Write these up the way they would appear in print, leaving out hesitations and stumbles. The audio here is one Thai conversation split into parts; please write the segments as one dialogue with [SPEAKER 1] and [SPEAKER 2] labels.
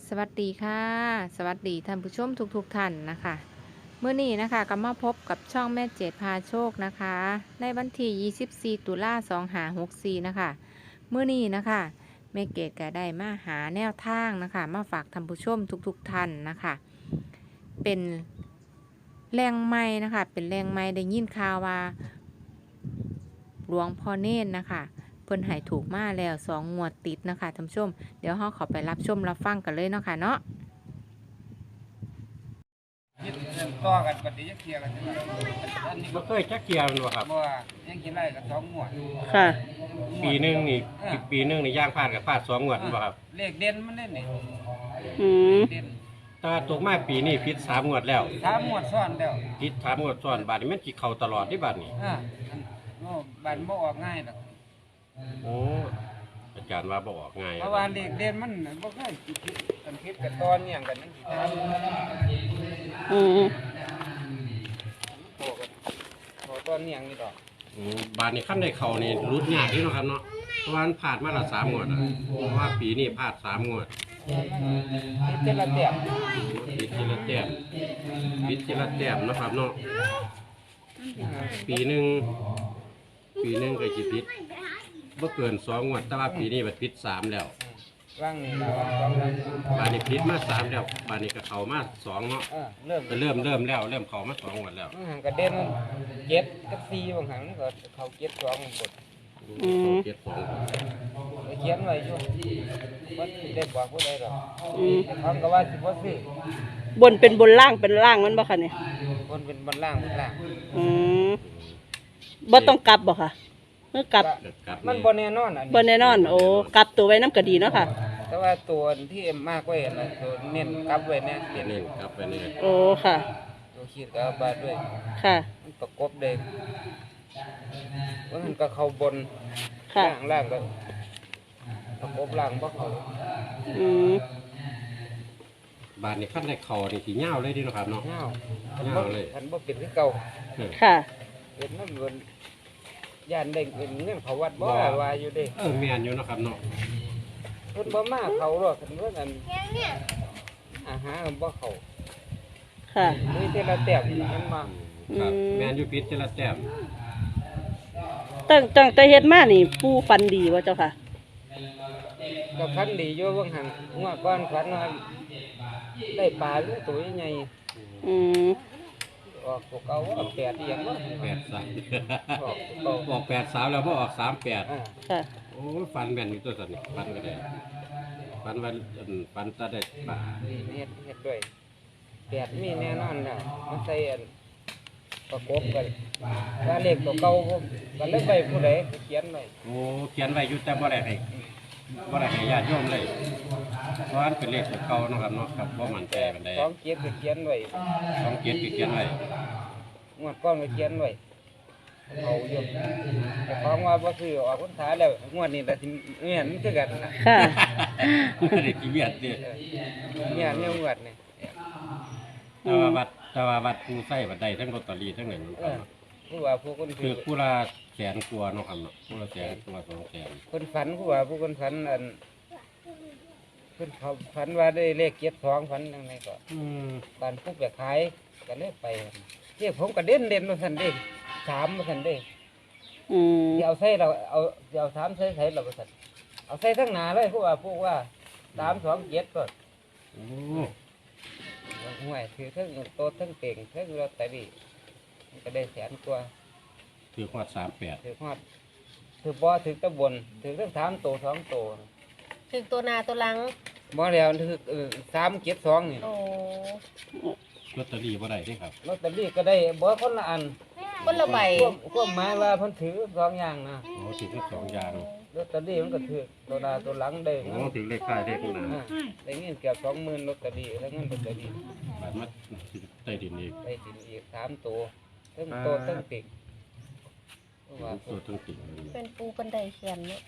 [SPEAKER 1] สวัสดีค่ะสวัสดีท่านผู้ชมทุกท่านนะคะเมื่อนี้นะคะก็มาพบกับช่องแม่เจดพาโชคนะคะในวันที่24 ตุลา2564นะคะเมื่อนี้นะคะแม่เกดก็ได้มาหาแนวทางนะคะมาฝากท่านผู้ชมทุกท่านนะคะเป็นแรงไม้นะคะเป็นแรงไม้ได้ยินข่าวว่าหลวงพ่อเน้นนะคะเพิ่นให้ถูกมาแล้ว2 งวดติดนะคะท่านผู้ชมเดี๋ยวเราขอไปรับชมรับฟังกันเลยเนาะค่ะเนาะ
[SPEAKER 2] ยึดเรื่องต่อกันปฏิยักเทียกันใช่ไหมอันนี้
[SPEAKER 3] บ่เคยจักเกียร์มันบ่ครับ
[SPEAKER 2] บ่ว่ายังกินไรกับ2 งวด
[SPEAKER 1] ค่ะ
[SPEAKER 3] ปีหนึงนี่ปีหนึงนี่ย่างพลาดกับพลาด2 งวดบ่ครับ
[SPEAKER 2] เลขเด่นมันเล่นนี่
[SPEAKER 1] อืม
[SPEAKER 2] เด่น
[SPEAKER 3] ถ้าตกมาปีนี้ผิด3 งวดแล้ว
[SPEAKER 2] 3 งวดซ้อนแล้ว
[SPEAKER 3] ผิด3 งวดซ้อนบาดนี้มันสิเข้าตลอดที่บาดนี้
[SPEAKER 2] บันบ่ออกง่ายหรอก
[SPEAKER 3] โอ้อาจารย์ว่าบ่ออกง่าย
[SPEAKER 2] เพราะว่าเลขเด่นมันบ่เคยกันคิดกับตอนเนี่ยกันนั่นสิตาม
[SPEAKER 1] อืม
[SPEAKER 2] โตกันโตตอนเนี่ยนี่ดอก
[SPEAKER 3] บาดนี้คันได้เข้านี่รุดยากอยู่เนาะครับเนาะเพราะว่ามันพลาดมาละ3 งวดอะเพราะว่าปีนี้พลาด3 งวด
[SPEAKER 2] นี่เจละเตียบ
[SPEAKER 3] ผิดทีละแต้มผิดทีละแต้มเนาะครับเนาะปีหนึงก็สิผิดบ่เกิน2 งวดแต่ว่าปีนี้มันผิด3แล้ว
[SPEAKER 2] ว่างนี่ล่ะว่างสองแล้ว
[SPEAKER 3] บาดนี้ผิดมา3แล้วบาดนี้ก็เข้ามา2เนาะ
[SPEAKER 2] เริ่ม
[SPEAKER 3] ก็เริ่มแล้วเริ่มเข้ามา2 งวดแล้ว
[SPEAKER 2] มันหันกระเด็น7กับ4บางครั้งมันก็เข้า7 2หมด
[SPEAKER 3] เข้า7 2
[SPEAKER 2] ไปเขียนไว้อยู่ว่าได้บอกผู้ใดหรอก
[SPEAKER 1] อืม
[SPEAKER 2] เขาก็ว่าสิบ่ซื้อบ
[SPEAKER 1] นเป็นบนล่างเป็นล่างมันบ่คะเนี่ย
[SPEAKER 2] คนเป็นบนล่างบนล่าง
[SPEAKER 1] อืมบ่ต้องกลับบ่ค่ะเมื่อกลับ
[SPEAKER 3] ครับ
[SPEAKER 2] มันบ่แน่นอนอัน
[SPEAKER 1] บ่
[SPEAKER 2] นี้
[SPEAKER 1] แน่นอน โอ้กลับตัวไว้น้ำก็ดีเนาะค่ะ
[SPEAKER 2] แต่ว่าตัวที่มากไว้น่ะตัวเน้นกลับไว้แน่เปลี่ยน
[SPEAKER 3] นี่ครับไปนี่
[SPEAKER 1] โอ้ค่ะ
[SPEAKER 2] ตัวขีดก็เอาบาดด้วย
[SPEAKER 1] ค่ะ
[SPEAKER 2] มันประกบเด้ว่ามันก็เข้าบน
[SPEAKER 1] ค่ะ
[SPEAKER 2] ล่างก็ประกบล่างบ่เข้า
[SPEAKER 1] อืม
[SPEAKER 3] บาดนี้คันได้เข้านี่สิยาวเลยเดิเนาะครับเนาะ
[SPEAKER 2] เงา
[SPEAKER 3] เงาเลย
[SPEAKER 2] คันบ่เป็นคือเก่า
[SPEAKER 1] ค่ะ
[SPEAKER 2] เป็นมันบนย่านได้เป็นเงินเขาวัดบ่ว่าอยู่เด้
[SPEAKER 3] แม่นอยู่เนาะครับเนาะ
[SPEAKER 2] เพิ่นบ่มาเขาหรอกคันว่าอันอาหารมันบ่เข้า
[SPEAKER 1] ค่ะ
[SPEAKER 2] มีแต่ละแต้มมันมา
[SPEAKER 3] ครับ
[SPEAKER 1] อืม
[SPEAKER 3] แม่นอยู่ผิดทีละแต้ม
[SPEAKER 1] ตั้งแต่เฮ็ดมานี่ปูฟันดีวะเจ้าค่ะ
[SPEAKER 2] ก็พันดีอยู่เบิ่งหันงวดก่อนฝันว่าได้ปลาหรือตัวใหญ่
[SPEAKER 1] อืม
[SPEAKER 2] ออกตัวเก่าว่าแปดอีหยังเนาะ
[SPEAKER 3] 83
[SPEAKER 2] ออกตัวเก่า
[SPEAKER 3] ออก83แล้วบ่ออก38
[SPEAKER 2] อ่า
[SPEAKER 1] ค่ะ
[SPEAKER 3] โอ้ยฟันแม่นอยู่ตัวสันนี่ฟันก็ได้ฟันว่าฟันตาได้ปลา
[SPEAKER 2] เฮ็ดด้วยแปดมีแน่นอนแล้วมันใส่อันประกบกันว่าเลขตัวเก่าผมก็เลยไปผู้ใดก็เขียนไว้
[SPEAKER 3] โอ้เขียนไว้อยู่แต่บ่ได้ให้ญาติโยมเลยเพราะอันเป็นเลขตัวเก่าเนาะครับเนาะครับบ่มั่นใจปานใด
[SPEAKER 2] สองเกียรก็เขียนไว้
[SPEAKER 3] 27ก็เขียนไว้
[SPEAKER 2] งวดก่อนก็เขียนไว้เอาอยู่แต่ของว่าบ่ซื้อออกพรรษาแล้วงวดนี้ล่ะสิแม่นคือกันน่ะ
[SPEAKER 1] ค่ะ
[SPEAKER 3] บ่ได้ขี้เกียจดิ
[SPEAKER 2] เนี่ยงวดนี่
[SPEAKER 3] แต่ว่าวัดผู้ใช้บัดใดทั้งลอตเตอรี่ทั้งนั้น
[SPEAKER 2] ผู้ว่าผู้คน
[SPEAKER 3] คื
[SPEAKER 2] ถื
[SPEAKER 3] อ
[SPEAKER 2] อ
[SPEAKER 3] ผู้ละแสนกว่าเนาะครับเนาะผู้ละแสนกว่า200,000
[SPEAKER 2] คนฝันผู้ว่าผู้คนฝันอันเพิ่นเขาฝันว่าได้เลขเจ็ดสองฝันยังไงก็
[SPEAKER 3] อืม
[SPEAKER 2] บ้านผู้ไปขายก็เลยไปเรียกผมก็เด่นมาสันเด้สามมาสันเด้
[SPEAKER 1] อืม
[SPEAKER 2] ที่เอาใส่เราเอาสามใส่เราสันเอาใส่ทั้งหนาเลยผู้ว่าพวกว่า327ก็
[SPEAKER 3] โอ้
[SPEAKER 2] ห่วยถือทั้งโตะทั้งเต่งทั้งลอตเตอรี่มันก็ได้แสนกว่า
[SPEAKER 3] ถือฮอด38
[SPEAKER 2] ถือฮอดถือบ่ถือตะบนถือทั้ง3 โต2 โต
[SPEAKER 4] ถึงตัวหนาตัวหลัง
[SPEAKER 2] บ่แล้วถือ372นี่
[SPEAKER 4] โอ้
[SPEAKER 3] ลอตเตอรี่บ่ได้เด้ครับ
[SPEAKER 2] ลอตเตอรี่ก็ได้บ่คนละอัน
[SPEAKER 4] คนละใบ
[SPEAKER 2] ความหมายว่าเพิ่นถือสองอย่างนะ
[SPEAKER 3] โอ้ถือทั้งสองอย่าง
[SPEAKER 2] ลอตเตอรี่มันก็ถือตัวหน้าตัวหลังได้
[SPEAKER 3] โอ้ถือเลขท้ายเลขหน้า
[SPEAKER 2] อ่าได้เงินเกือบ20,000ลอตเตอรี่แล้วเงินลอตเตอรี่
[SPEAKER 3] บัดมาใต้ดินอีก
[SPEAKER 2] ได้สินอีก3 ตัวทั้งโตทั้งติ่งเพราะว่า
[SPEAKER 3] ตัวทั้งติ่ง
[SPEAKER 4] เป็นปูกันไดเขียนเนาะ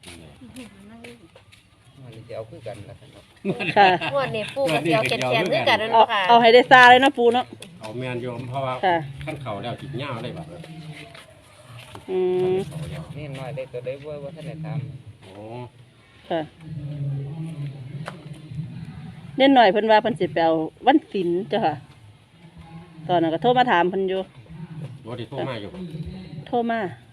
[SPEAKER 2] มันจะเอาคือกันล่ะครับ
[SPEAKER 1] ค่ะ
[SPEAKER 4] งวดนี้ปูกับเสียวเขียนเขียนด้วยกันนั่น
[SPEAKER 1] เอา
[SPEAKER 4] เนาะค่ะ
[SPEAKER 1] เอาให้ได้ซาเลยเนาะปูเนาะ
[SPEAKER 3] เอาแมนโยมเพราะว่า
[SPEAKER 1] ค่ะ
[SPEAKER 3] ขั้นเข่าแล้วจิตเงาเลยบัด
[SPEAKER 1] อืม
[SPEAKER 2] นี่น้อยได้ตัวได้บ่ว่าท่านได้ถาม
[SPEAKER 3] โอ้
[SPEAKER 1] ค่ะ
[SPEAKER 5] เล่นหน่อยเพิ่นว่าเพิ่นสิไปเอาวันศิลป์เจ้าค่ะ ตอนนั้นก็โทรมาถามเพิ่นอยู่
[SPEAKER 3] บ่ได้โทรมาอยู่
[SPEAKER 5] โทรมา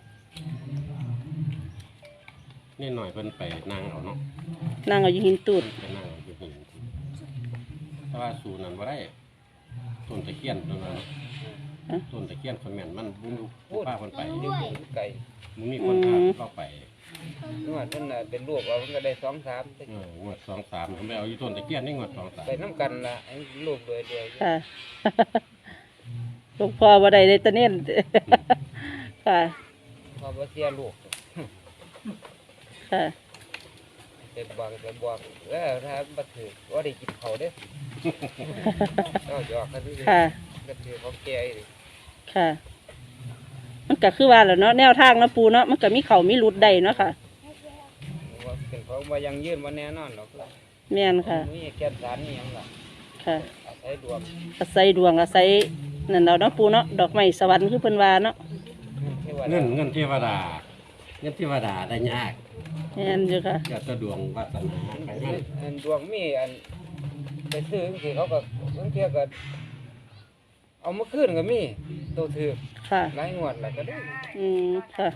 [SPEAKER 3] นี่หน่อยเพิ่นไปนั่งเอาเนาะ
[SPEAKER 5] นั่งเอาอยู่หินตูด
[SPEAKER 3] ไปนั่งเอาอยู่หินแต่ว่าสูนั้นบ่ได้ต้นตะเคียนต้นนั้นต้นตะเคียนคนแม่นมันบุญพาเพิ่นไป
[SPEAKER 2] อยู่ไก่
[SPEAKER 3] มึงมีคนพาเข้าไป
[SPEAKER 2] นวดนั่นน่ะเป็นลูกเอามันก็ได้2-3
[SPEAKER 3] งวด2-3ผมไปเอาอยู่ต้นตะเคียนนี่งวด
[SPEAKER 2] ไปน้ำกันล่ะไอ้ลูกเลยเดียว
[SPEAKER 5] ค่ะ หลวงพ่อบ่ได้เลยตะเน่น ค่ะ
[SPEAKER 2] พอบ่เสียลูก
[SPEAKER 5] ค่ะ
[SPEAKER 2] ไปบอกแล้วถ้าบ่ถือว่าได้กินเขาเด้อก็หยอกกันนี่
[SPEAKER 5] ค่ะ
[SPEAKER 2] ก็ถือของแก่อีก
[SPEAKER 5] ค่ะ มันก็คือว่าแหละเนาะแนวทางเนาะปูเนาะมันก็มีเขามีหลุดได้เนาะค่ะ
[SPEAKER 2] ว่าเป็นของว่ายังยืนว่าแน่นอนหรอก
[SPEAKER 5] แม่นค่ะ
[SPEAKER 2] มีแก่นสารนี่ยังล่ะ
[SPEAKER 5] ค่ะ
[SPEAKER 2] อาศัยดวง
[SPEAKER 5] อาศัยดวงอาศัยนั่นเราเนาะปูเนาะดอกไม้สวรรค์คือเพิ่นว่าเนาะ
[SPEAKER 2] ที่ว่า
[SPEAKER 3] เงินเทวดาเงินเทวดาได้ยาก
[SPEAKER 5] แม่นอยู่ค่ะ
[SPEAKER 3] ก็จะดวงวาสนาไปมัน
[SPEAKER 2] อันดวงมีอันไปซื้อจังซี่เขาก็บางเทีก็เอามาคืนก็มีตัวถือ
[SPEAKER 5] ค่ะ
[SPEAKER 2] หลายงวดแล้วก็ได้
[SPEAKER 5] ค่ะ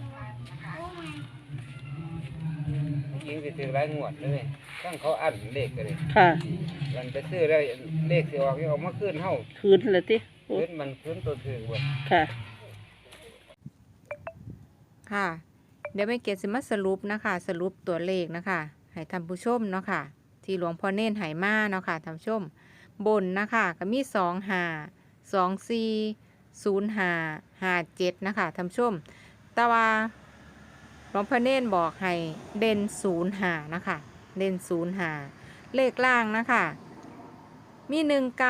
[SPEAKER 2] จริงสิถือหลายงวดเลยตั้งเขาอั้นเลขก็เลย
[SPEAKER 5] ค่ะ
[SPEAKER 2] มันไปซื้อแล้วเลขสิออกยังเอามาคืนเฮา
[SPEAKER 5] คืนเลยติโอ้
[SPEAKER 2] คืนมันคืนตัวถือบ่
[SPEAKER 5] ค่ะ
[SPEAKER 1] ค่ะ เดี๋ยวแม่เกดสิมาสรุปนะคะ สรุปตัวเลขนะคะให้ท่านผู้ชมเนาะค่ะ ที่หลวงพ่อเน้นไหมาเนาะค่ะท่านผู้ชม บนนะคะก็มี25 24 05 57นะคะท่านผู้ชม แต่ว่าหลวงพ่อเน้นบอกให้เด่น05นะคะ เด่น05เลขล่างนะคะมี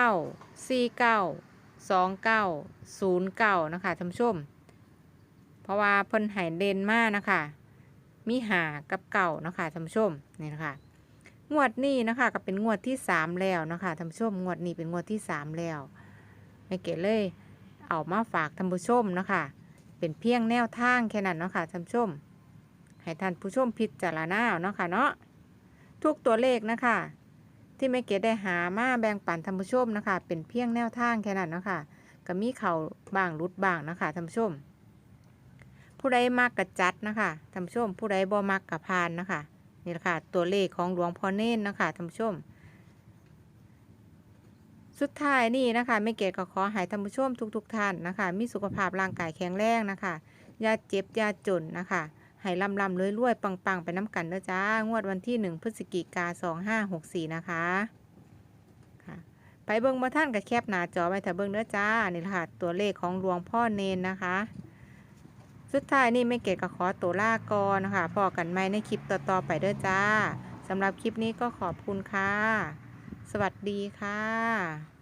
[SPEAKER 1] 19 49 29 09นะคะท่านผู้ชม เพราะว่าเพิ่นใหายเด่นมากนะคะ มีหากับเก่านะคะท่านผู้ชมนี่นะคะ งวดนี้นะคะก็เป็นงวดที่3แล้วนะคะท่านผู้ชม งวดนี้เป็นงวดที่3แล้วแม่เก๋เลยเอามาฝากท่านผู้ชมนะคะ เป็นเพียงแนวทางแค่นั้นเนาะค่ะท่านผู้ชม ให้ท่านผู้ชมพิจารณาเนาะค่ะเนาะทุกตัวเลขนะคะ ที่แม่เก๋ได้หามาแบ่งปันท่านผู้ชมนะคะ เป็นเพียงแนวทางแค่นั้นเนาะค่ะก็มีเข่าบ้างรุดบ้างนะคะท่านผู้ชม ผู้ใดมักกะจัดนะคะท่านผู้ชม ผู้ใดบ่มักกะพานนะคะนี่แหละค่ะตัวเลขของหลวงพ่อเน้นนะคะท่านผู้ชม สุดท้ายนี่นะคะแม่เกดก็ขอให้ท่านผู้ชมทุกท่านนะคะ มีสุขภาพร่างกายแข็งแรงนะคะอย่าเจ็บอย่าจนนะคะให้ลำรวยปังไปน้ำกันเด้อจ้างวดวันที่1 พฤศจิกายน 2564นะคะค่ะไปเบิ่งบ่ท่านกับแคปหน้าจอไว้ถ้าเบิ่งเด้อจ้านี่แหละค่ะตัวเลขของหลวงพ่อเน้นนะคะ สุดท้ายนี่แม่เกดก็ขอตัวลาก่อนนะคะพอกันใหม่ในคลิปต่อๆไปเด้อจ้าสำหรับคลิปนี้ก็ขอบคุณค่ะ สวัสดีค่ะ